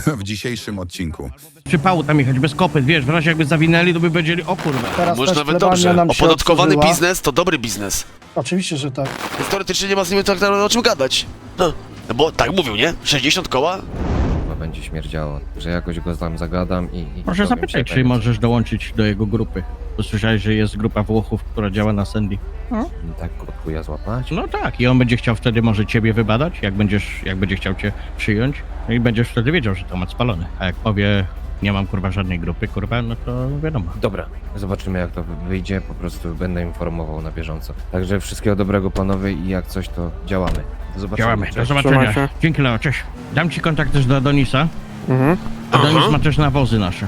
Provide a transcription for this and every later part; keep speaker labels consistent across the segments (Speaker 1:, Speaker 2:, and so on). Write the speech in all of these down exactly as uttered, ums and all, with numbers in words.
Speaker 1: w dzisiejszym odcinku.
Speaker 2: Przypału tam jechać bez kopyt, wiesz, w razie jakby zawinęli, to by powiedzieli, o kurwa.
Speaker 3: Teraz
Speaker 4: Może
Speaker 3: też
Speaker 4: nawet
Speaker 3: plebania
Speaker 4: dobrze.
Speaker 3: nam się
Speaker 4: Opodatkowany
Speaker 3: otworzyła.
Speaker 4: biznes to dobry biznes.
Speaker 3: Oczywiście, że tak.
Speaker 4: Więc teoretycznie nie ma z nimi tak o czym gadać. No, no bo tak mówił, nie? sześćdziesiąt koła?
Speaker 5: Chyba będzie śmierdziało, że jakoś go tam zagadam i... i
Speaker 2: Proszę
Speaker 5: dowiem
Speaker 2: zapytać,
Speaker 5: się
Speaker 2: czy
Speaker 5: tego,
Speaker 2: możesz dołączyć do jego grupy. Usłyszałeś, że jest grupa Włochów, która działa na Sandy. No,
Speaker 5: co- Tak od chuja złapać?
Speaker 2: no tak, i on będzie chciał wtedy może ciebie wybadać, jak będziesz, jak będzie chciał cię przyjąć. No i będziesz wtedy wiedział, że temat spalony. A jak powie, nie mam kurwa żadnej grupy, kurwa, no to wiadomo.
Speaker 5: Dobra, zobaczymy jak to wyjdzie, po prostu będę informował na bieżąco. Także wszystkiego dobrego panowie i jak coś to działamy. Do zobaczenia.
Speaker 2: Działamy, do
Speaker 5: Cześć.
Speaker 2: zobaczenia.
Speaker 3: Trzymaj się.
Speaker 2: Dzięki Leo, cześć. Dam ci kontakt też do Adonisa.
Speaker 3: Mhm.
Speaker 2: Adonis ma też nawozy nasze.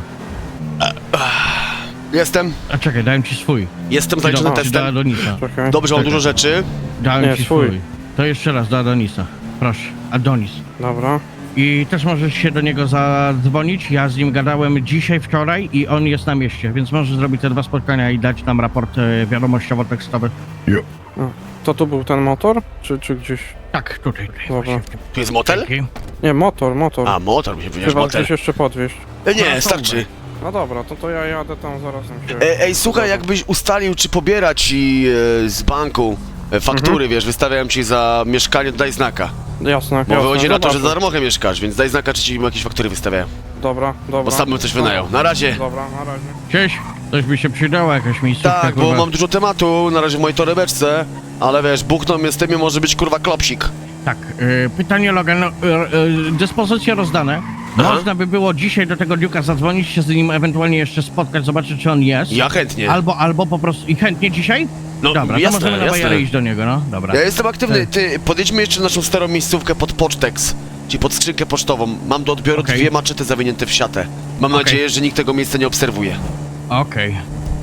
Speaker 4: Jestem.
Speaker 2: A czekaj, dałem ci swój.
Speaker 4: Jestem
Speaker 2: Do,
Speaker 4: zaliczony
Speaker 2: do
Speaker 4: testem.
Speaker 2: Adonisa.
Speaker 3: Czekaj.
Speaker 4: Dobrze, mam
Speaker 2: Czekaj.
Speaker 4: dużo rzeczy.
Speaker 2: Dałem
Speaker 3: Nie,
Speaker 2: ci
Speaker 3: swój.
Speaker 2: swój. To jeszcze raz do Adonisa. Proszę, Adonis.
Speaker 3: Dobra.
Speaker 2: I też możesz się do niego zadzwonić. Ja z nim gadałem dzisiaj, wczoraj i on jest na mieście, więc możesz zrobić te dwa spotkania i dać nam raport e, wiadomościowo-tekstowy.
Speaker 6: To tu był ten motor? Czy, czy gdzieś...
Speaker 2: Tak, tutaj, tutaj.
Speaker 6: Dobra.
Speaker 2: właśnie w tym.
Speaker 4: Tu jest motel?
Speaker 2: Dzięki.
Speaker 6: Nie, motor, motor.
Speaker 4: A, motor, mi się powiedziałeś
Speaker 6: Chyba
Speaker 4: motel.
Speaker 6: gdzieś jeszcze podwieźć.
Speaker 4: E, Nie,
Speaker 2: No,
Speaker 4: starczy.
Speaker 6: No dobra, to, to ja jadę tam zaraz tam się...
Speaker 4: E, ej, słuchaj, jakbyś ustalił, czy pobierać ci e, z banku e, faktury, wiesz, wystawiałem ci za mieszkanie, to daj znaka.
Speaker 6: Jasne,
Speaker 4: Bo
Speaker 6: jasne.
Speaker 4: wychodzi na to, że za
Speaker 6: zobaczę.
Speaker 4: darmochę mieszkasz, więc daj znaka, czy ci jakieś faktury wystawiają.
Speaker 6: Dobra, dobra.
Speaker 4: Bo sam bym coś wynajął. Na razie.
Speaker 6: Dobra, na razie.
Speaker 2: Cześć, coś by się przydała, jakaś miejscówka.
Speaker 4: Tak, bo
Speaker 2: kurwa.
Speaker 4: mam dużo tematu na razie w mojej torebeczce, ale wiesz, buchną mnie z tym może być kurwa klopsik.
Speaker 2: Tak, e, pytanie Logan, no, e, e, dyspozycje rozdane.
Speaker 4: Aha.
Speaker 2: Można by było dzisiaj do tego Duke'a zadzwonić, się z nim ewentualnie jeszcze spotkać, zobaczyć czy on jest.
Speaker 4: Ja chętnie.
Speaker 2: Albo, albo po prostu, i chętnie dzisiaj?
Speaker 4: No,
Speaker 2: Dobra,
Speaker 4: jasne,
Speaker 2: to możemy na
Speaker 4: jasne.
Speaker 2: bajerę iść do niego, no, dobra.
Speaker 4: Ja jestem aktywny,
Speaker 2: Tak.
Speaker 4: ty, podjedźmy jeszcze naszą starą miejscówkę pod Pocztex, czyli pod skrzynkę pocztową. Mam do odbioru
Speaker 2: Okej.
Speaker 4: dwie maczety zawinięte w siatę. Mam
Speaker 2: Okej.
Speaker 4: nadzieję, że nikt tego miejsca nie obserwuje.
Speaker 2: Okej.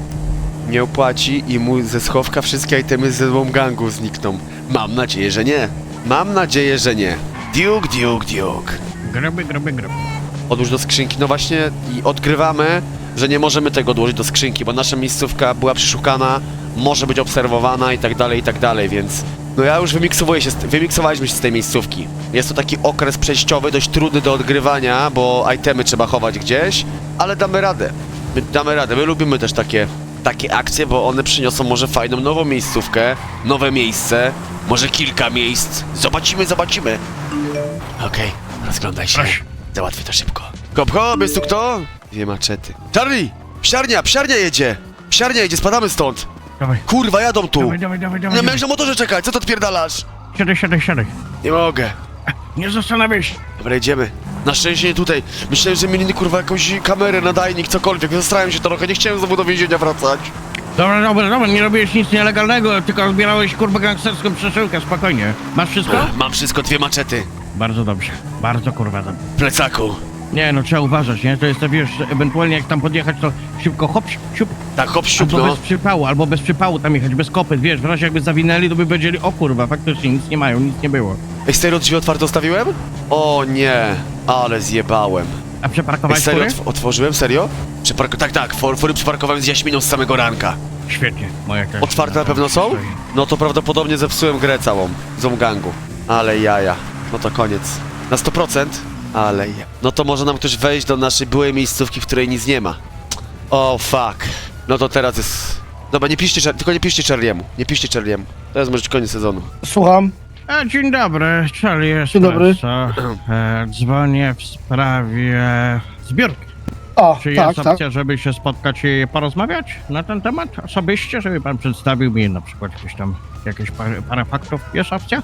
Speaker 4: Nie opłaci i mu ze schowka wszystkie itemy ze złą gangu znikną. Mam nadzieję, że nie. Mam nadzieję, że nie. Duke, Duke, Duke.
Speaker 2: Groby, groby, groby.
Speaker 4: Odłóż do skrzynki. No właśnie i odkrywamy, że nie możemy tego odłożyć do skrzynki, bo nasza miejscówka była przeszukana, może być obserwowana i tak dalej, i tak dalej, więc... No ja już wymiksowuję się, z, wymiksowaliśmy się z tej miejscówki. Jest to taki okres przejściowy, dość trudny do odgrywania, bo itemy trzeba chować gdzieś, ale damy radę. My damy radę, my lubimy też takie, takie akcje, bo one przyniosą może fajną nową miejscówkę, nowe miejsce, może kilka miejsc. Zobaczymy, zobaczymy. Okej, rozglądaj się.
Speaker 2: Proszę.
Speaker 4: Załatwię to szybko. Hop, hop, jest tu kto? Dwie maczety. Charlie! Psiarnia, psiarnia jedzie! Psiarnia jedzie, spadamy stąd!
Speaker 2: Dawaj,
Speaker 4: Kurwa, jadą tu!
Speaker 2: dawaj, dawaj, dawaj,
Speaker 4: Nie
Speaker 2: dawaj.
Speaker 4: miałeś na motorze czekać, co to odpierdalasz?
Speaker 2: Siadaj, siadaj, siadaj.
Speaker 4: Nie mogę.
Speaker 2: Nie zastanawiaj się.
Speaker 4: Dobra, jedziemy. Na szczęście nie tutaj. Myślałem, że mieli kurwa jakąś kamerę, nadajnik, cokolwiek. Zastrałem się trochę, nie chciałem znowu do więzienia wracać.
Speaker 2: Dobra, dobra, dobra, nie robiłeś nic nielegalnego, tylko zbierałeś kurwa gangsterską przeszyłkę, spokojnie. Masz wszystko?
Speaker 4: Mam wszystko, dwie maczety.
Speaker 2: Bardzo dobrze, bardzo kurwa dobrze.
Speaker 4: W plecaku.
Speaker 2: Nie no, trzeba uważać, nie? To jest to, wiesz, ewentualnie jak tam podjechać, to szybko hop, siup,
Speaker 4: Tak, hop, siup,
Speaker 2: albo
Speaker 4: no.
Speaker 2: bez przypału, albo bez przypału tam jechać, bez kopyt, wiesz, w razie jakby zawinęli, to by powiedzieli, o kurwa, faktycznie nic nie mają, nic nie było.
Speaker 4: Ej, serio, drzwi otwarte zostawiłem? O nie, ale zjebałem.
Speaker 2: A
Speaker 4: Ej,
Speaker 2: przeparkowałeś
Speaker 4: serio,
Speaker 2: fury?
Speaker 4: otw otworzyłem, serio? Przepark tak, tak, for fury przeparkowałem z Jaśminą z samego ranka.
Speaker 2: Świetnie, moja też.
Speaker 4: Otwarte na pewno są? No to prawdopodobnie zepsułem grę całą, z gangu. Ale jaja, no to koniec. Na sto procent? Ale ja. No to może nam ktoś wejść do naszej byłej miejscówki, w której nic nie ma. O oh, fuck. No to teraz jest... Dobra, nie piszcie, Char- tylko nie piszcie Charliemu. Nie piszcie Charliemu. To jest może koniec sezonu.
Speaker 3: Słucham.
Speaker 2: A, dzień dobry, Charlie Espresso.
Speaker 3: Dzień dobry.
Speaker 2: E, dzwonię w sprawie zbiórki.
Speaker 3: O,
Speaker 2: Czy
Speaker 3: tak,
Speaker 2: jest
Speaker 3: tak.
Speaker 2: opcja, żeby się spotkać i porozmawiać na ten temat osobiście, żeby pan przedstawił mi na przykład jakieś tam, jakieś parę, parę faktów? Jest opcja?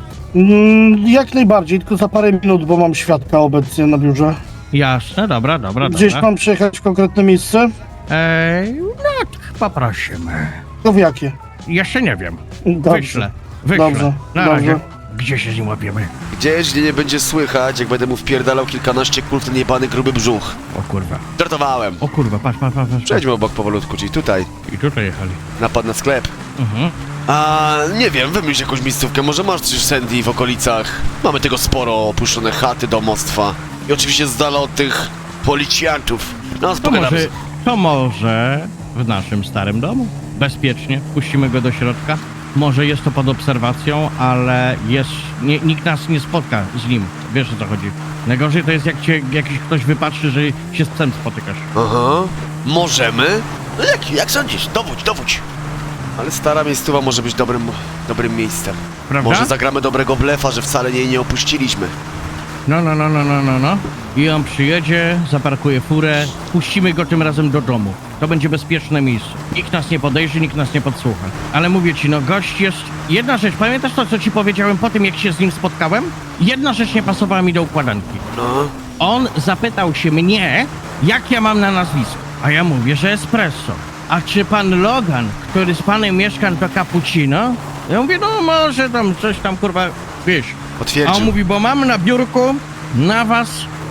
Speaker 3: Mm, jak najbardziej, tylko za parę minut, bo mam świadka obecnie na biurze.
Speaker 2: Jasne, dobra, dobra,
Speaker 3: Gdzieś
Speaker 2: dobra.
Speaker 3: mam przyjechać w konkretne miejsce?
Speaker 2: Ej, no, poprosimy.
Speaker 3: To w jakie?
Speaker 2: Jeszcze nie wiem.
Speaker 3: Dobrze.
Speaker 2: Wyślę, wyślę.
Speaker 3: Dobrze,
Speaker 2: Na
Speaker 3: dobrze.
Speaker 2: razie. Gdzie się z nim łapiemy?
Speaker 4: Gdzieś, gdzie nie będzie słychać, jak będę mu wpierdalał kilkanaście kul w ten jebany gruby brzuch.
Speaker 2: O kurwa.
Speaker 4: Żartowałem.
Speaker 2: O kurwa, patrz, patrz, patrz. patrz.
Speaker 4: Przejdźmy obok powolutku, czyli tutaj.
Speaker 2: I tutaj jechali.
Speaker 4: Napad na sklep.
Speaker 2: Mhm.
Speaker 4: A nie wiem, wymyśl jakąś miejscówkę, może masz coś Sandy w okolicach. Mamy tego sporo, opuszczone chaty, domostwa. I oczywiście z dala od tych policjantów. No,
Speaker 2: To
Speaker 4: spogadamy.
Speaker 2: może, to może w naszym starym domu. Bezpiecznie, puścimy go do środka. Może jest to pod obserwacją, ale jest, nie, nikt nas nie spotka z nim. Wiesz o co chodzi. Najgorzej to jest jak cię jakiś ktoś wypatrzy, że się z psem spotykasz.
Speaker 4: Aha. Możemy? No jak, jak sądzisz? Dowódź, dowódź. Ale stara miejscowa może być dobrym, dobrym miejscem.
Speaker 2: Prawda?
Speaker 4: Może zagramy dobrego blefa, że wcale jej nie opuściliśmy.
Speaker 2: No, no, no, no, no, no, no. I on przyjedzie, zaparkuje furę, puścimy go tym razem do domu. To będzie bezpieczne miejsce. Nikt nas nie podejrzy, nikt nas nie podsłucha. Ale mówię ci, no gość jest... Jedna rzecz, pamiętasz to, co ci powiedziałem po tym, jak się z nim spotkałem? Jedna rzecz nie pasowała mi do układanki.
Speaker 4: No.
Speaker 2: On zapytał się mnie, jak ja mam na nazwisko. A ja mówię, że espresso. A czy pan Logan, który z panem mieszka, to cappuccino? Ja mówię, no może tam coś tam, kurwa, wiesz. A
Speaker 4: Potwierdził.
Speaker 2: on mówi, bo mam na biurku na was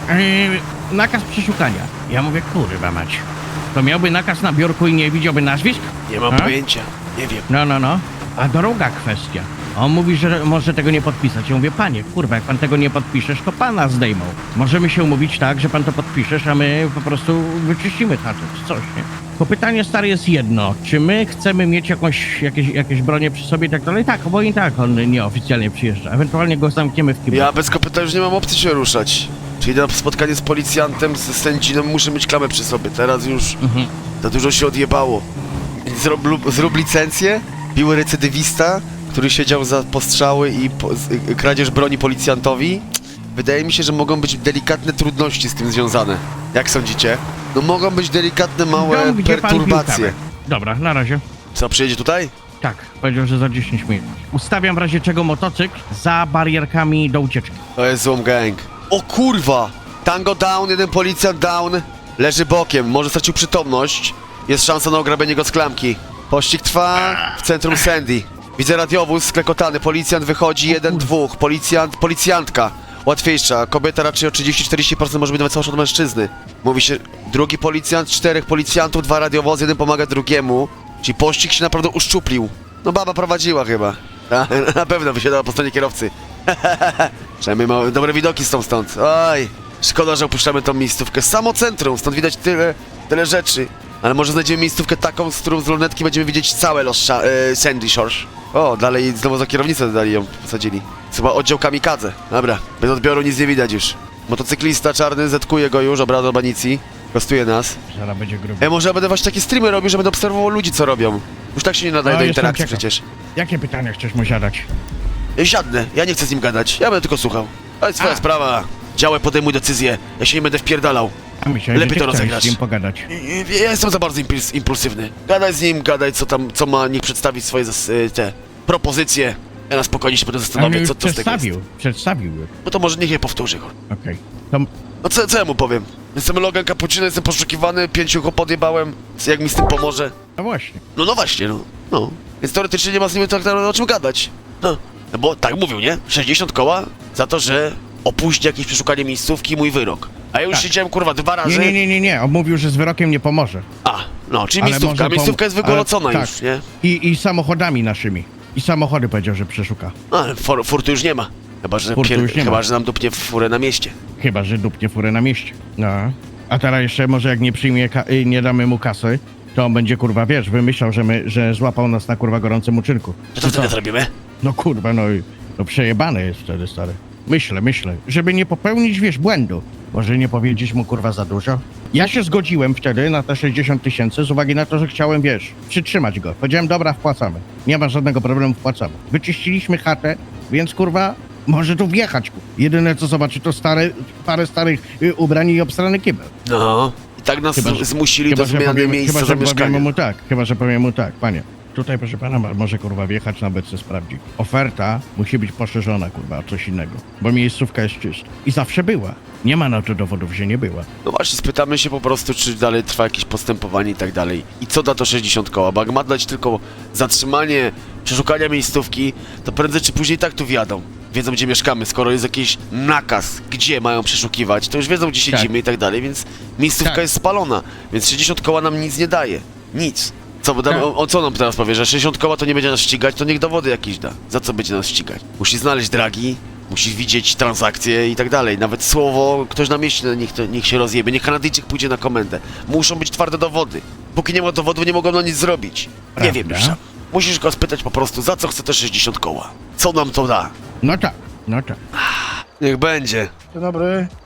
Speaker 2: yy, nakaz przeszukania. Ja mówię, kurwa mać. To miałby nakaz na biurku i nie widziałby nazwisk?
Speaker 4: Nie mam
Speaker 2: A?
Speaker 4: pojęcia. Nie wiem.
Speaker 2: No, no, no. A druga kwestia. On mówi, że może tego nie podpisać. Ja mówię, panie, kurwa, jak pan tego nie podpiszesz, to pana zdejmą. Możemy się umówić tak, że pan to podpiszesz, a my po prostu wyczyścimy chatę, czy coś, nie? Bo pytanie stare jest jedno. Czy my chcemy mieć jakąś, jakieś, jakieś bronie przy sobie i tak dalej? Tak, bo i tak on nieoficjalnie przyjeżdża. Ewentualnie go zamkniemy w kiblu.
Speaker 4: Ja bez kopyta już nie mam opcji się ruszać. Czyli na spotkanie z policjantem, z sędziną muszę mieć klamę przy sobie. Teraz już
Speaker 2: Mhm.
Speaker 4: za dużo się odjebało. Zrób, lub- zrób licencję, biły recydywista, który siedział za postrzały i po, z, y, kradzież broni policjantowi. Wydaje mi się, że mogą być delikatne trudności z tym związane. Jak sądzicie? No mogą być delikatne, małe
Speaker 2: Dom, gdzie pan
Speaker 4: perturbacje.
Speaker 2: pił kawę. Dobra, na razie.
Speaker 4: Co, przyjedzie tutaj?
Speaker 2: Tak, powiedział, że za dziesięć minut. Ustawiam w razie czego motocykl za barierkami do ucieczki.
Speaker 4: To jest Zoom Gang. O kurwa! Tango down, jeden policjant down. Leży bokiem, może stracił przytomność. Jest szansa na ograbienie go z klamki. Pościg trwa w centrum Sandy. Widzę radiowóz sklekotany, policjant wychodzi, jeden, dwóch. Policjant, policjantka. Łatwiejsza, kobieta raczej o trzydzieści do czterdziestu procent może być nawet słabsza od mężczyzny. Mówi się, drugi policjant, czterech policjantów, dwa radiowozy, jeden pomaga drugiemu. Czyli pościg się naprawdę uszczuplił. No baba prowadziła chyba. Na pewno wysiadała po stronie kierowcy. Przynajmniej mamy dobre widoki stąd stąd. Oj, szkoda, że opuszczamy tą miejscówkę. Samo centrum, stąd widać tyle, tyle rzeczy. Ale może znajdziemy miejscówkę taką, z którą z lornetki będziemy widzieć całe Los Sha- e, Sandy Shores. O, dalej znowu za kierownicę dali ją, posadzili. Chyba oddział kamikadze. Dobra, bez odbioru nic nie widać już. Motocyklista czarny, zetkuje go już, obraz do banicji. Kostuje nas.
Speaker 2: Zaraz będzie grubo.
Speaker 4: E, może ja będę właśnie takie streamy robił, że będę obserwował ludzi, co robią. Już tak się nie nadaje
Speaker 2: No,
Speaker 4: do
Speaker 2: jestem
Speaker 4: interakcji
Speaker 2: ciekaw.
Speaker 4: przecież.
Speaker 2: Jakie pytania chcesz mu zadać?
Speaker 4: Ja siadnę, ja nie chcę z nim gadać, ja będę tylko słuchał. To jest twoja
Speaker 2: A.
Speaker 4: sprawa. Działaj, podejmuj decyzję. Ja się nie będę wpierdalał.
Speaker 2: A myślałem,
Speaker 4: Lepiej
Speaker 2: że ty
Speaker 4: to
Speaker 2: chciałeś
Speaker 4: rozegrać.
Speaker 2: z nim pogadać.
Speaker 4: I- i- Ja jestem za bardzo impuls impulsywny. Gadaj z nim, gadaj co tam, co ma, niech przedstawić swoje zas- y, te propozycje. Ja na spokojnie się będę
Speaker 2: Ale
Speaker 4: zastanawiać,
Speaker 2: już
Speaker 4: co to z tego jest.
Speaker 2: przedstawił, przedstawił.
Speaker 4: No to może niech je powtórzy. kur-
Speaker 2: Okej. To
Speaker 4: No co, co ja mu powiem? Jestem Logan Cappuccino, jestem poszukiwany, pięciu go podjebałem. Jak mi z tym pomoże?
Speaker 2: no właśnie.
Speaker 4: No no właśnie, no. No. Więc teoretycznie nie ma z nim tak o czym gadać. No. No bo tak mówił, nie? sześćdziesiąt koła za to, że opóźni jakieś przeszukanie miejscówki, mój wyrok. A ja już
Speaker 2: Tak.
Speaker 4: siedziałem kurwa dwa razy.
Speaker 2: Nie, nie, nie, nie, nie. On mówił, że z wyrokiem nie pomoże.
Speaker 4: A, no, czyli
Speaker 2: Ale
Speaker 4: miejscówka.
Speaker 2: może pom-
Speaker 4: Miejscówka jest wygolocona
Speaker 2: ale-
Speaker 4: już,
Speaker 2: tak.
Speaker 4: nie?
Speaker 2: I, I samochodami naszymi. I samochody powiedział, że przeszuka.
Speaker 4: No, ale for, furtu już nie ma. Chyba, że,
Speaker 2: Furtu
Speaker 4: pier...
Speaker 2: już nie
Speaker 4: Chyba,
Speaker 2: ma.
Speaker 4: że nam dupnie furę na mieście.
Speaker 2: Chyba, że dupnie furę na mieście. No. A teraz jeszcze może jak nie przyjmie, ka- y, nie damy mu kasy, to on będzie kurwa, wiesz, wymyślał, że, my, że złapał nas na kurwa gorącym uczynku.
Speaker 4: To co wtedy zrobimy?
Speaker 2: No kurwa, no i no przejebane jest wtedy, stary. Myślę, myślę, żeby nie popełnić, wiesz, błędu. Może nie powiedzieć mu kurwa za dużo? Ja się zgodziłem wtedy na te sześćdziesiąt tysięcy z uwagi na to, że chciałem, wiesz, przytrzymać go. Powiedziałem, dobra, wpłacamy. Nie ma żadnego problemu, wpłacamy. Wyczyściliśmy chatę, więc kurwa, może tu wjechać. Jedyne co zobaczy to stare, parę starych y, ubrań i obstrany kibel.
Speaker 4: No. I tak nas
Speaker 2: Chyba, że-
Speaker 4: zmusili
Speaker 2: Chyba,
Speaker 4: do
Speaker 2: że
Speaker 4: zmiany
Speaker 2: powiemy,
Speaker 4: miejsca
Speaker 2: chyba, że powiemy
Speaker 4: zamieszkania.
Speaker 2: mu tak, chyba, że powiem mu tak, panie. Tutaj, proszę pana, ma- może kurwa wjechać na bece sprawdzić. Oferta musi być poszerzona, kurwa, o coś innego. Bo miejscówka jest czysta. I zawsze była. Nie ma na to dowodów, że nie była.
Speaker 4: No właśnie, spytamy się po prostu, czy dalej trwa jakieś postępowanie i tak dalej. I co da to sześćdziesiąt koła? Bo jak ma dać tylko zatrzymanie przeszukania miejscówki, to prędzej czy później tak tu wjadą. Wiedzą, gdzie mieszkamy, skoro jest jakiś nakaz, gdzie mają przeszukiwać, to już wiedzą, gdzie siedzimy
Speaker 2: Tak.
Speaker 4: i tak dalej, więc miejscówka
Speaker 2: Tak.
Speaker 4: jest spalona, więc sześćdziesiąt koła nam nic nie daje. Nic. Co, bo dam,
Speaker 2: Tak.
Speaker 4: o, o co nam teraz powie, że sześćdziesiąt koła to nie będzie nas ścigać, to niech dowody jakieś da. Za co będzie nas ścigać? Musi znaleźć dragi, musi widzieć transakcje i tak dalej. Nawet słowo, ktoś na mieście, no niech, to, niech się rozjebie, niech Kanadyjczyk pójdzie na komendę. Muszą być twarde dowody. Póki nie ma dowodów, nie mogą na nic zrobić. Nie
Speaker 2: Prawda.
Speaker 4: wiem już sam. Musisz go spytać po prostu, za co chce te sześćdziesiąt koła? Co nam to da?
Speaker 2: No tak, no tak.
Speaker 4: Niech będzie.
Speaker 3: Dzień dobry.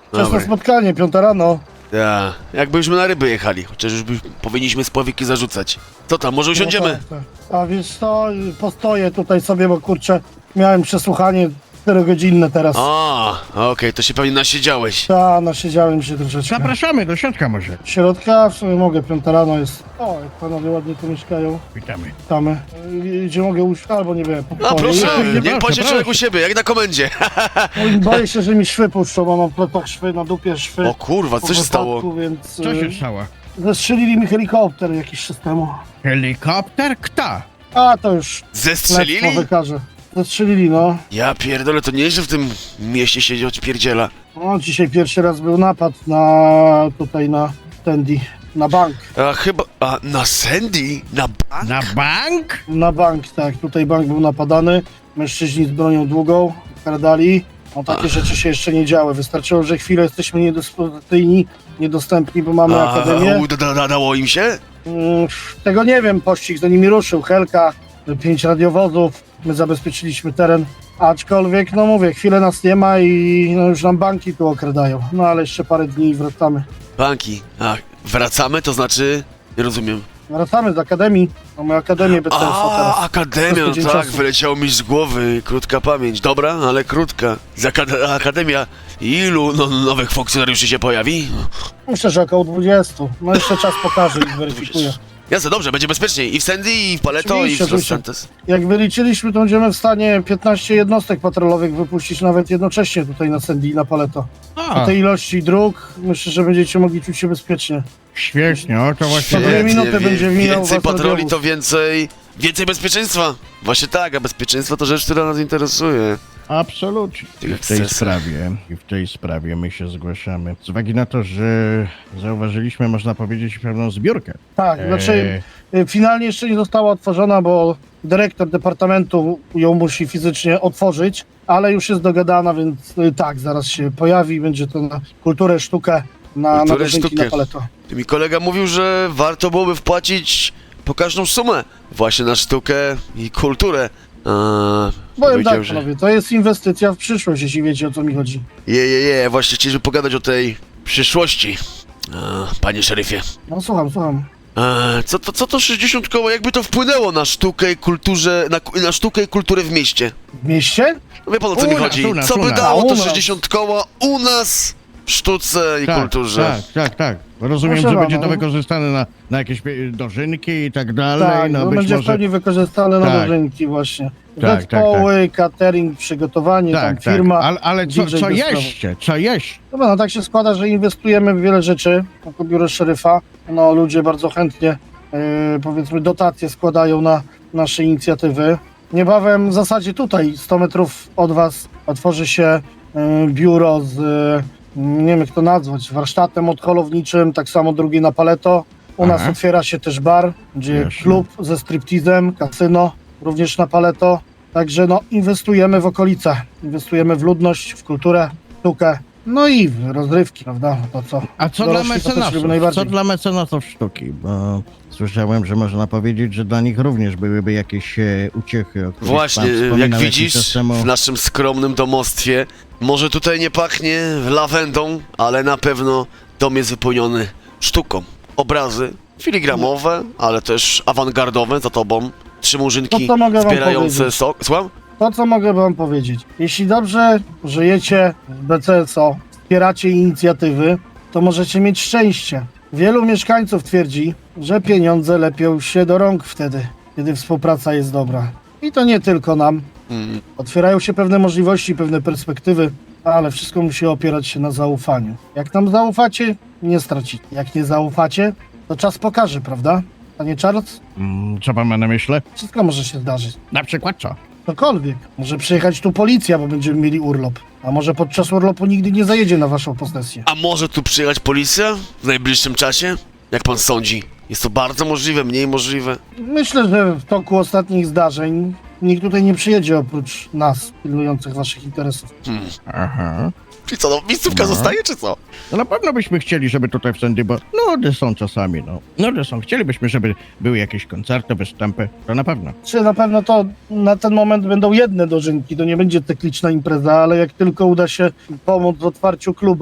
Speaker 3: Wczesne
Speaker 4: Dobry.
Speaker 3: spotkanie, piąta rano.
Speaker 4: Ja, jakbyśmy na ryby jechali, chociaż już by powinniśmy spławiki zarzucać. Co tam, może usiądziemy?
Speaker 3: No tak, tak. A wiesz co, postoję tutaj sobie, bo kurczę, miałem przesłuchanie czterogodzinne teraz.
Speaker 4: A, okej, to się pewnie nasiedziałeś.
Speaker 3: Ta, nasiedziałem się troszeczkę.
Speaker 2: Zapraszamy do środka może.
Speaker 3: Środka, w sumie mogę, piąta rano jest. O, jak panowie ładnie tu mieszkają.
Speaker 2: Witamy.
Speaker 3: Witamy. Y, Gdzie mogę usiąść, albo nie wiem.
Speaker 4: A
Speaker 3: pokoju.
Speaker 4: proszę,
Speaker 3: Nie,
Speaker 4: niech
Speaker 2: proszę,
Speaker 4: pan się człowiek u
Speaker 2: proszę.
Speaker 4: siebie, jak na komendzie.
Speaker 3: nie, boję się, że mi szwy puszczą, bo mam w plecach szwy, na dupie szwy.
Speaker 4: O kurwa,
Speaker 3: po
Speaker 4: co się
Speaker 3: wypadku,
Speaker 4: stało?
Speaker 3: Więc,
Speaker 2: Co się
Speaker 3: y,
Speaker 2: stało?
Speaker 3: zestrzelili mi helikopter jakiś czas temu.
Speaker 2: Helikopter? Kto?
Speaker 3: A, to już
Speaker 4: Zestrzelili?
Speaker 3: lectwo wykaże. Zestrzelili, no.
Speaker 4: Ja pierdolę, to nieźle w tym mieście się odpierdziela.
Speaker 3: No, dzisiaj pierwszy raz był napad na, tutaj na Tandy, na bank.
Speaker 4: A chyba, a na Sandy? Na bank?
Speaker 2: Na bank?
Speaker 3: Na bank, tak, tutaj bank był napadany, mężczyźni z bronią długą, kradali. No takie rzeczy się jeszcze nie działy, wystarczyło, że chwilę jesteśmy niedyspozycyjni, niedostępni, bo mamy
Speaker 4: A,
Speaker 3: akademię.
Speaker 4: u, da, da, dało im się?
Speaker 3: Mm, Tego nie wiem, pościg za nimi ruszył, Helka, pięć radiowozów, my zabezpieczyliśmy teren. Aczkolwiek, no mówię, chwilę nas nie ma i no, już nam banki tu okradają. No ale jeszcze parę dni i wracamy.
Speaker 4: Banki. A, wracamy, to znaczy? Nie rozumiem.
Speaker 3: Wracamy z akademii, mamy akademię B C S
Speaker 4: A,
Speaker 3: teraz.
Speaker 4: akademia, no
Speaker 3: Tydzień
Speaker 4: tak,
Speaker 3: czasu.
Speaker 4: wyleciało mi z głowy, krótka pamięć. Dobra, ale krótka. Z akad- akademia, ilu no, nowych funkcjonariuszy się pojawi?
Speaker 3: Myślę, że około dwudziestu. No jeszcze czas pokaże i zweryfikuje.
Speaker 4: Jasne, dobrze, będzie bezpieczniej. I w Sandy, i w Paleto, i
Speaker 3: Oczywiście,
Speaker 4: w Los
Speaker 3: oczywiście.
Speaker 4: Santos.
Speaker 3: Jak wyliczyliśmy, to będziemy w stanie piętnaście jednostek patrolowych wypuścić nawet jednocześnie tutaj na Sandy i na Paleto.
Speaker 2: A,
Speaker 3: Po tej ilości dróg myślę, że będziecie mogli czuć się bezpiecznie.
Speaker 2: świetnie, o to właśnie...
Speaker 3: Za dwie
Speaker 4: Świetnie,
Speaker 3: minuty
Speaker 4: wie-
Speaker 3: będzie mijał
Speaker 4: Więcej
Speaker 3: was
Speaker 4: patroli
Speaker 3: radiowóz.
Speaker 4: to więcej... Więcej bezpieczeństwa. Właśnie tak, a bezpieczeństwo to rzecz, która nas interesuje.
Speaker 2: Absolutnie. I w tej
Speaker 4: Ekscesy.
Speaker 2: sprawie, i w tej sprawie my się zgłaszamy. Z uwagi na to, że zauważyliśmy, można powiedzieć, pewną zbiórkę.
Speaker 3: Tak, znaczy
Speaker 2: Eee,
Speaker 3: y, finalnie jeszcze nie została otworzona, bo dyrektor departamentu ją musi fizycznie otworzyć, ale już jest dogadana, więc y, tak, zaraz się pojawi, będzie to na kulturę, sztukę, na, na
Speaker 4: Kulturę,
Speaker 3: dożynki,
Speaker 4: sztukę.
Speaker 3: na Paleto.
Speaker 4: Ty mi kolega mówił, że warto byłoby wpłacić pokaźną sumę właśnie na sztukę i kulturę. A,
Speaker 3: Powiem
Speaker 4: powiedział,
Speaker 3: tak,
Speaker 4: że...
Speaker 3: panowie, to jest inwestycja w przyszłość, jeśli wiecie, o co mi chodzi.
Speaker 4: Je, je, je, właśnie chcieliśmy pogadać o tej przyszłości. A, panie szeryfie.
Speaker 3: No słucham, słucham.
Speaker 4: A, co, to, co to sześćdziesiąt koła, jakby to wpłynęło na sztukę i kulturze, na, ku- na sztukę i kulturę w mieście?
Speaker 3: W mieście?
Speaker 4: No wie pan o co
Speaker 2: U
Speaker 4: mi
Speaker 2: nas,
Speaker 4: chodzi?
Speaker 2: u nas,
Speaker 4: Co
Speaker 2: u
Speaker 4: by
Speaker 2: nas.
Speaker 4: dało
Speaker 3: A, u
Speaker 4: to
Speaker 3: nas.
Speaker 4: sześćdziesiąt koła u nas w sztuce i
Speaker 2: tak,
Speaker 4: kulturze?
Speaker 2: tak, tak, tak. Rozumiem,
Speaker 3: Proszę
Speaker 2: że będzie
Speaker 3: pana.
Speaker 2: to wykorzystane na, na jakieś e, dożynki i tak dalej.
Speaker 3: Tak,
Speaker 2: no
Speaker 3: no
Speaker 2: być
Speaker 3: będzie w
Speaker 2: może...
Speaker 3: pełni wykorzystane na
Speaker 2: Tak.
Speaker 3: dożynki właśnie.
Speaker 2: Tak,
Speaker 3: Zespoły, catering, przygotowanie, tam
Speaker 2: Tak, tak.
Speaker 3: firma.
Speaker 2: Ale, ale co,
Speaker 3: D J
Speaker 2: co
Speaker 3: bez
Speaker 2: jeszcze? Co jeszcze?
Speaker 3: Dobra, no tak się składa, że inwestujemy w wiele rzeczy jako biuro szeryfa. No ludzie bardzo chętnie, yy, powiedzmy, dotacje składają na nasze inicjatywy. Niebawem w zasadzie tutaj, sto metrów od was, otworzy się yy, biuro z, yy, nie wiem jak to nazwać, warsztatem odholowniczym, tak samo drugie na Paleto. U nas
Speaker 2: Aha.
Speaker 3: otwiera się też bar, gdzie
Speaker 2: Jasne.
Speaker 3: klub ze striptizem, kasyno, również na Paleto. Także no, inwestujemy w okolice, inwestujemy w ludność, w kulturę, sztukę, no i w rozrywki, prawda? To co?
Speaker 2: A co dla
Speaker 3: Dorośli to też
Speaker 2: mecenasów?
Speaker 3: lubią najbardziej.
Speaker 2: Co dla mecenasów sztuki? Bo słyszałem, że można powiedzieć, że dla nich również byłyby jakieś e, uciechy. O których
Speaker 4: Właśnie,
Speaker 2: pan
Speaker 4: jak
Speaker 2: wspominał jakiś
Speaker 4: widzisz,
Speaker 2: czas temu.
Speaker 4: w naszym skromnym domostwie, może tutaj nie pachnie lawendą, ale na pewno dom jest wypełniony sztuką. Obrazy filigramowe, ale też awangardowe za tobą. Trzy murzynki
Speaker 3: To co mogę wam
Speaker 4: zbierające
Speaker 3: powiedzieć?
Speaker 4: sok. Słucham?
Speaker 3: To, co mogę wam powiedzieć. Jeśli dobrze żyjecie w B C S O, wspieracie inicjatywy, to możecie mieć szczęście. Wielu mieszkańców twierdzi, że pieniądze lepią się do rąk wtedy, kiedy współpraca jest dobra. I to nie tylko nam.
Speaker 4: Mm,
Speaker 3: Otwierają się pewne możliwości, pewne perspektywy, ale wszystko musi opierać się na zaufaniu. Jak nam zaufacie, nie stracicie. Jak nie zaufacie, to czas pokaże, prawda? Panie Charles?
Speaker 2: Mm, co pan ma na myśli?
Speaker 3: Wszystko może się zdarzyć.
Speaker 2: Na przykład co?
Speaker 3: Cokolwiek. Może przyjechać tu policja, bo będziemy mieli urlop. A może podczas urlopu nigdy nie zajedzie na waszą posesję.
Speaker 4: A może tu przyjechać policja w najbliższym czasie? Jak pan sądzi? Jest to bardzo możliwe, mniej możliwe.
Speaker 3: Myślę, że w toku ostatnich zdarzeń nikt tutaj nie przyjedzie oprócz nas, pilnujących waszych interesów.
Speaker 4: Hmm.
Speaker 2: Aha.
Speaker 4: Czyli co, no, miejscówka
Speaker 2: No.
Speaker 4: zostaje, czy co?
Speaker 2: No na pewno byśmy chcieli, żeby tutaj w Sandy, bo nudy są czasami, no. Nudy są. Chcielibyśmy, żeby były jakieś koncerty, występy. To na pewno.
Speaker 3: Czy na pewno to na ten moment będą jedne dożynki, to nie będzie cykliczna impreza, ale jak tylko uda się pomóc w otwarciu klubu,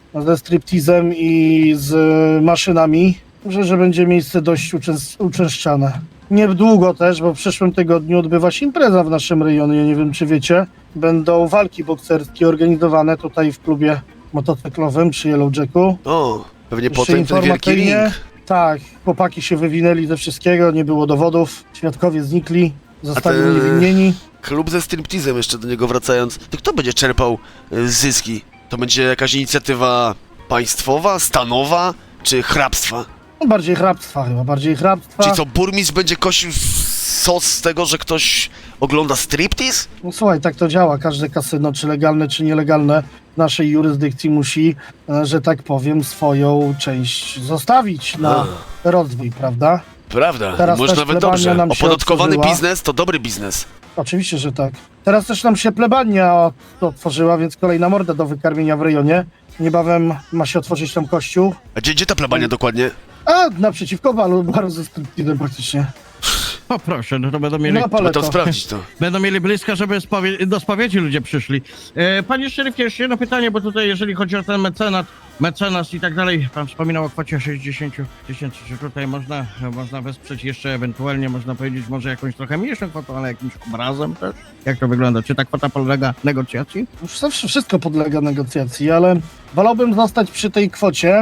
Speaker 3: ze striptizem i z maszynami. Myślę, że będzie miejsce dość uczęs- uczęszczane. Niedługo też, bo w przyszłym tygodniu odbywa się impreza w naszym rejonie, nie wiem czy wiecie. Będą walki bokserskie organizowane tutaj w klubie motocyklowym przy Yellow Jacku.
Speaker 4: O, pewnie
Speaker 3: Jeszcze
Speaker 4: potem ten wielki ring.
Speaker 3: informacyjnie, tak, chłopaki się wywinęli ze wszystkiego, nie było dowodów, świadkowie znikli, zostali
Speaker 4: te-
Speaker 3: uniewinnieni.
Speaker 4: Klub ze striptizem, jeszcze do niego wracając. To kto będzie czerpał y, zyski? To będzie jakaś inicjatywa państwowa, stanowa, czy hrabstwa?
Speaker 3: No, bardziej hrabstwa chyba, bardziej hrabstwa.
Speaker 4: Czyli co, burmistrz będzie kosił sos z tego, że ktoś ogląda striptiz?
Speaker 3: No słuchaj, tak to działa. Każde kasyno, czy legalne, czy nielegalne, w naszej jurysdykcji musi, e, że tak powiem, swoją część zostawić na rozwój, prawda?
Speaker 4: Prawda,
Speaker 3: Teraz
Speaker 4: może
Speaker 3: też
Speaker 4: nawet
Speaker 3: plebania
Speaker 4: dobrze.
Speaker 3: nam się
Speaker 4: Opodatkowany
Speaker 3: otworzyła.
Speaker 4: biznes to dobry biznes.
Speaker 3: Oczywiście, że tak. Teraz też nam się plebania otworzyła, więc kolejna morda do wykarmienia w rejonie. Niebawem ma się otworzyć tam kościół.
Speaker 4: A gdzie, gdzie ta plebania dokładnie?
Speaker 3: A, naprzeciwko balu, baru ze striptizem praktycznie.
Speaker 2: O proszę, no to będą mieli,
Speaker 3: Na
Speaker 4: Trzeba
Speaker 3: paleto.
Speaker 4: to sprawdzić to.
Speaker 2: będą mieli blisko, żeby spowie- do spowiedzi ludzie przyszli. E, panie szeryfie, jeszcze jedno pytanie, bo tutaj jeżeli chodzi o ten mecenat, mecenas i tak dalej, pan wspominał o kwocie sześćdziesiąt tysięcy, czy tutaj można, można wesprzeć jeszcze ewentualnie, można powiedzieć, może jakąś trochę mniejszą kwotą, ale jakimś obrazem też? Jak to wygląda? Czy ta kwota podlega negocjacji?
Speaker 3: Już zawsze wszystko podlega negocjacji, ale wolałbym zostać przy tej kwocie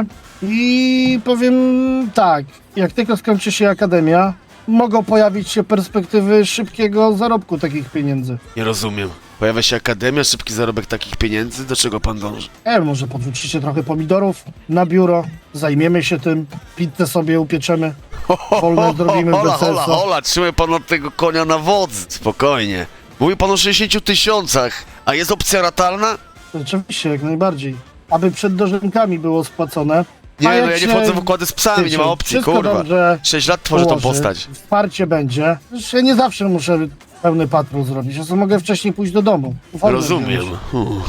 Speaker 3: i powiem tak, jak tylko skończy się akademia, mogą pojawić się perspektywy szybkiego zarobku takich pieniędzy.
Speaker 4: Nie rozumiem. Pojawia się akademia, szybki zarobek takich pieniędzy, do czego pan dąży?
Speaker 3: E, może podrzucicie trochę pomidorów na biuro, zajmiemy się tym, pizzę sobie upieczemy. Wolne zrobimy
Speaker 4: hola,
Speaker 3: bez
Speaker 4: hola,
Speaker 3: sensu.
Speaker 4: hola, trzymaj pan od tego konia na wodzy. Spokojnie. Mówi pan o sześćdziesięciu tysiącach, a jest opcja ratalna?
Speaker 3: Rzeczywiście, jak najbardziej. Aby przed dożynkami było spłacone.
Speaker 4: Nie,
Speaker 3: A
Speaker 4: no
Speaker 3: jak
Speaker 4: ja nie
Speaker 3: się-
Speaker 4: wchodzę w układy z psami, nie ma
Speaker 3: Wiecie,
Speaker 4: opcji,
Speaker 3: wszystko
Speaker 4: kurwa.
Speaker 3: dobrze
Speaker 4: Sześć lat tworzę tą
Speaker 3: ułoży,
Speaker 4: postać.
Speaker 3: Wsparcie będzie. Przecież ja nie zawsze muszę pełny patrol zrobić, ja sobie mogę wcześniej pójść do domu. Wolno
Speaker 4: Rozumiem.
Speaker 3: wziąć.
Speaker 4: Hmm.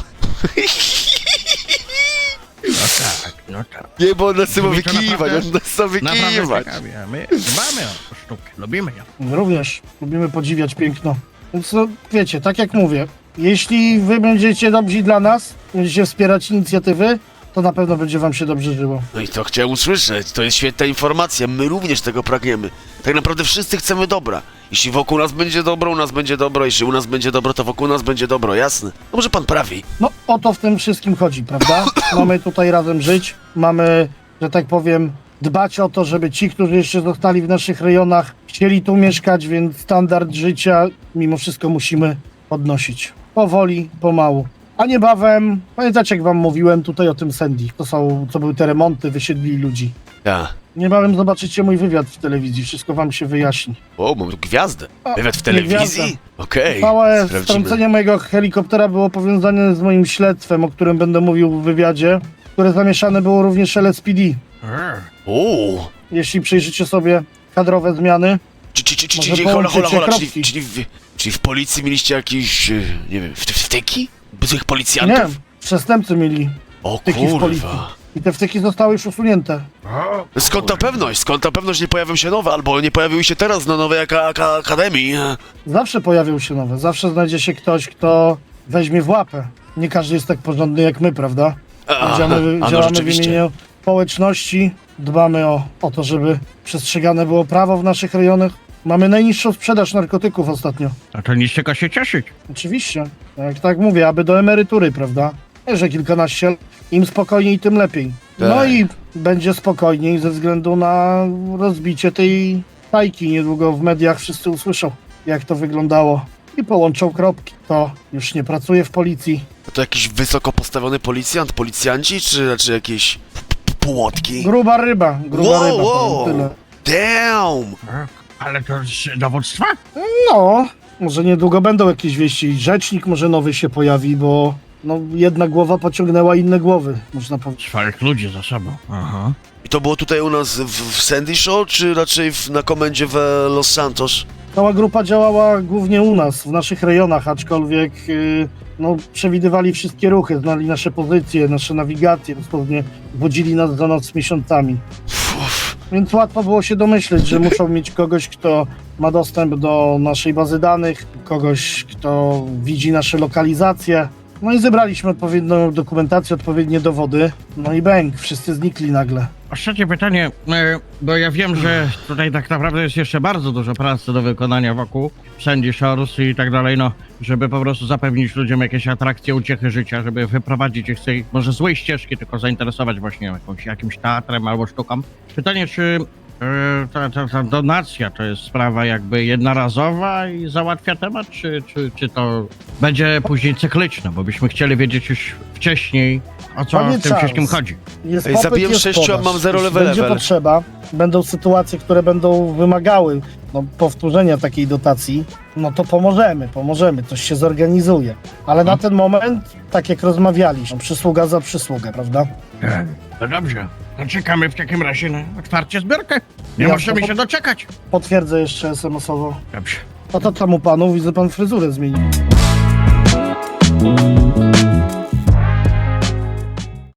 Speaker 2: No tak, no tak.
Speaker 4: Nie, bo on nas chce
Speaker 2: Brzmi to
Speaker 4: wykiwać,
Speaker 2: naprawdę-
Speaker 4: on nas chce
Speaker 2: Naprawdę
Speaker 4: wykiwać.
Speaker 2: ciekawie, a my dbamy o sztukę, lubimy ją.
Speaker 3: Również lubimy podziwiać piękno. Więc no, wiecie, tak jak mówię, jeśli wy będziecie dobrzy dla nas, będziecie wspierać inicjatywy, to na pewno będzie wam się dobrze żyło.
Speaker 4: No i to chciałem usłyszeć, to jest świetna informacja, my również tego pragniemy. Tak naprawdę wszyscy chcemy dobra. Jeśli wokół nas będzie dobro, u nas będzie dobro, jeśli u nas będzie dobro, to wokół nas będzie dobro, jasne. No może pan prawi.
Speaker 3: No o to w tym wszystkim chodzi, prawda? Mamy tutaj razem żyć, mamy, że tak powiem, dbać o to, żeby ci, którzy jeszcze zostali w naszych rejonach, chcieli tu mieszkać, więc standard życia mimo wszystko musimy podnosić. Powoli, pomału. A niebawem, pamiętacie jak wam mówiłem tutaj o tym Sandy, to są, co były te remonty, wysiedlili ludzi.
Speaker 4: Ja.
Speaker 3: Niebawem zobaczycie mój wywiad w telewizji, wszystko wam się wyjaśni.
Speaker 4: O, mam tu gwiazdę.
Speaker 3: A,
Speaker 4: Wywiad w
Speaker 3: nie gwiazda.
Speaker 4: telewizji? Okej,
Speaker 3: Całe
Speaker 4: sprawdzimy.
Speaker 3: strącenie mojego helikoptera było powiązane z moim śledztwem, o którym będę mówił w wywiadzie, które zamieszane było również L S P D.
Speaker 4: O,
Speaker 3: Jeśli przyjrzycie sobie kadrowe zmiany,
Speaker 4: czy, czy, czy, czy,
Speaker 3: Może
Speaker 4: czy hola, hola,
Speaker 3: połączycie
Speaker 4: hola, czyli,
Speaker 3: kropki.
Speaker 4: czyli, w, czyli w policji mieliście jakieś, e, nie wiem, wty- wtyki? Złych
Speaker 3: nie,
Speaker 4: policjantów?
Speaker 3: przestępcy mieli
Speaker 4: O
Speaker 3: wtyki w policji.
Speaker 4: kurwa.
Speaker 3: I te wtyki zostały już usunięte.
Speaker 4: Skąd ta pewność? Skąd ta pewność, że nie pojawią się nowe, albo nie pojawiły się teraz na nowej aka- aka- akademii?
Speaker 3: Zawsze pojawią się nowe, zawsze znajdzie się ktoś, kto weźmie w łapę. Nie każdy jest tak porządny jak my, prawda?
Speaker 4: A,
Speaker 3: Działamy,
Speaker 4: a no
Speaker 3: działamy w
Speaker 4: rzeczywiście.
Speaker 3: imieniu społeczności, dbamy o, o to, żeby przestrzegane było prawo w naszych rejonach. Mamy najniższą sprzedaż narkotyków ostatnio.
Speaker 2: A to nic czego się cieszyć.
Speaker 3: Oczywiście, jak tak mówię, aby do emerytury, prawda? Że kilkanaście, im spokojniej, tym lepiej. No
Speaker 4: Tak.
Speaker 3: i będzie spokojniej ze względu na rozbicie tej tajki. Niedługo w mediach wszyscy usłyszą, jak to wyglądało i połączą kropki. To już nie pracuje w policji.
Speaker 4: To jakiś wysoko postawiony policjant, policjanci, czy raczej jakieś p- p- płotki?
Speaker 3: Gruba ryba, gruba
Speaker 4: Wow,
Speaker 3: ryba,
Speaker 4: wow.
Speaker 3: powiem tyle.
Speaker 4: Damn!
Speaker 2: Tak, ale to z dowództwa?
Speaker 3: No, może niedługo będą jakieś wieści. Rzecznik może nowy się pojawi, bo no, jedna głowa pociągnęła inne głowy, można powiedzieć.
Speaker 2: Swoich ludzi za sobą. Aha.
Speaker 4: I to było tutaj u nas w, w Sandy Show, czy raczej w, na komendzie w Los Santos?
Speaker 3: Cała grupa działała głównie u nas, w naszych rejonach, aczkolwiek yy, no, przewidywali wszystkie ruchy, znali nasze pozycje, nasze nawigacje, dosłownie wodzili nas za noc miesiącami.
Speaker 4: Uf.
Speaker 3: Więc łatwo było się domyśleć, że muszą mieć kogoś, kto ma dostęp do naszej bazy danych, kogoś, kto widzi nasze lokalizacje. No i zebraliśmy odpowiednią dokumentację, odpowiednie dowody. No i bęk, wszyscy znikli nagle.
Speaker 2: Ostatnie pytanie, e, bo ja wiem, że tutaj tak naprawdę jest jeszcze bardzo dużo pracy do wykonania wokół Sandy Shores i tak dalej, no, żeby po prostu zapewnić ludziom jakieś atrakcje, uciechy życia, żeby wyprowadzić ich z tej może złej ścieżki, tylko zainteresować właśnie jakąś, jakimś teatrem albo sztuką. Pytanie, czy e, ta, ta, ta donacja to jest sprawa jakby jednorazowa i załatwia temat, czy, czy, czy to będzie później cykliczne, bo byśmy chcieli wiedzieć już wcześniej, o co
Speaker 3: Panie
Speaker 2: w tym
Speaker 3: Charles,
Speaker 2: wszystkim chodzi.
Speaker 3: Jest
Speaker 4: Ej,
Speaker 3: popyt,
Speaker 4: zabiłem
Speaker 3: jest
Speaker 4: sześciu, a
Speaker 3: podaż.
Speaker 4: mam zero
Speaker 3: Jeśli
Speaker 4: level
Speaker 3: będzie
Speaker 4: level.
Speaker 3: potrzeba, będą sytuacje, które będą wymagały no, powtórzenia takiej dotacji, no to pomożemy, pomożemy, coś się zorganizuje. Ale na ten moment, tak jak rozmawialiśmy, przysługa za przysługę, prawda?
Speaker 2: No dobrze, to czekamy w takim razie na otwarcie zbiorkę. Nie
Speaker 3: Jasne.
Speaker 2: możemy się doczekać.
Speaker 3: Potwierdzę jeszcze es em esowo.
Speaker 2: Dobrze.
Speaker 3: A to tam u panu, widzę, pan fryzurę zmienił.